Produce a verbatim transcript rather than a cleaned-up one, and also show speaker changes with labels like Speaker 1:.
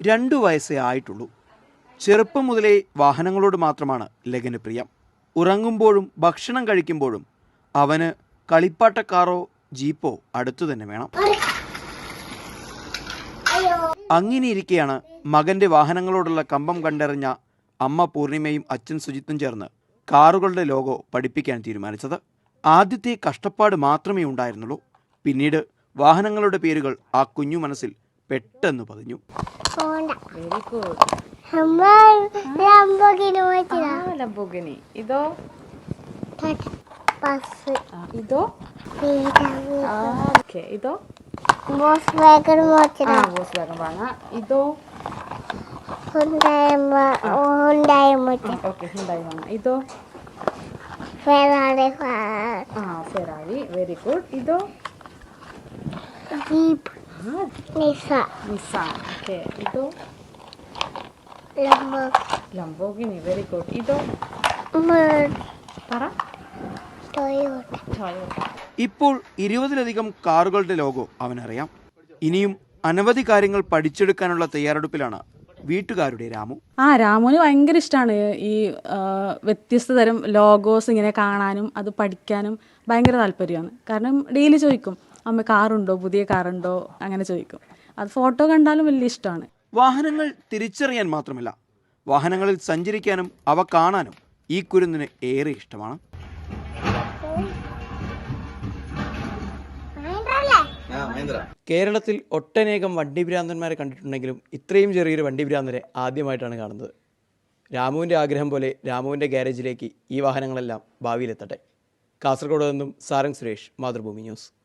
Speaker 1: രണ്ടു വയസ്സേ ആയിട്ടുള്ളൂ. ചെറുപ്പം മുതലേ വാഹനങ്ങളോട് മാത്രമാണ് ലഗന് പ്രിയം. ഉറങ്ങുമ്പോഴും ഭക്ഷണം കഴിക്കുമ്പോഴും അവന് കളിപ്പാട്ടക്കാറോ ജീപ്പോ അടുത്തു തന്നെ വേണം. അങ്ങനെയിരിക്കെയാണ് മകന്റെ വാഹനങ്ങളോടുള്ള കമ്പം കണ്ടറിഞ്ഞ അമ്മ പൂർണിമയും അച്ഛൻ സുജിത്തും ചേർന്ന് കാറുകളുടെ ലോഗോ പഠിപ്പിക്കാൻ തീരുമാനിച്ചത്. ആദ്യത്തെ കഷ്ടപ്പാട് മാത്രമേ ഉണ്ടായിരുന്നുള്ളൂ. പിന്നീട് വാഹനങ്ങളുടെ പേരുകൾ ആ കുഞ്ഞു മനസ്സിൽ പെട്ടെന്ന് പതിഞ്ഞു.
Speaker 2: ഇതോ ഇതോ ഇതോ ഇതോ ഇതോ ഫെറാറി. Very good. ഇതോ ജീപ്പ് നിസാൻ. ഓക്കേ. ഇതോ ലംബോർഗിനി. Very good. ഇതോ പറ.
Speaker 1: ഇപ്പോൾ ഇരുപതിലധികം കാറുകളുടെ ലോഗോ അവനറിയാം. ഇനിയും അനവധി കാര്യങ്ങൾ പഠിച്ചെടുക്കാനുള്ള തയ്യാറെടുപ്പിലാണ് വീട്ടുകാരുടെ രാമു.
Speaker 3: ആ രാമുവിന് ഭയങ്കര ഇഷ്ടമാണ് ഈ വ്യത്യസ്ത തരം ലോഗോസ് ഇങ്ങനെ കാണാനും അത് പഠിക്കാനും ഭയങ്കര താല്പര്യമാണ്. കാരണം ഡെയിലി ചോദിക്കും, അമ്മ കാറുണ്ടോ, പുതിയ കാറുണ്ടോ, അങ്ങനെ ചോദിക്കും. അത് ഫോട്ടോ കണ്ടാലും വലിയ ഇഷ്ടമാണ്.
Speaker 1: വാഹനങ്ങൾ തിരിച്ചറിയാൻ മാത്രമല്ല, വാഹനങ്ങളിൽ സഞ്ചരിക്കാനും അവ കാണാനും ഈ കുരുന്നിന് ഏറെ ഇഷ്ടമാണ്. കേരളത്തിൽ ഒട്ടനേകം വണ്ടിഭ്രാന്തന്മാരെ കണ്ടിട്ടുണ്ടെങ്കിലും ഇത്രയും ചെറിയൊരു വണ്ടിഭ്രാന്തരെ ആദ്യമായിട്ടാണ് കാണുന്നത്. രാമുവിൻ്റെ ആഗ്രഹം പോലെ രാമുവിൻ്റെ ഗ്യാരേജിലേക്ക് ഈ വാഹനങ്ങളെല്ലാം ഭാവിയിലെത്തട്ടെ. കാസർഗോഡ് നിന്നും സാരംഗ് സുരേഷ്, മാതൃഭൂമി ന്യൂസ്.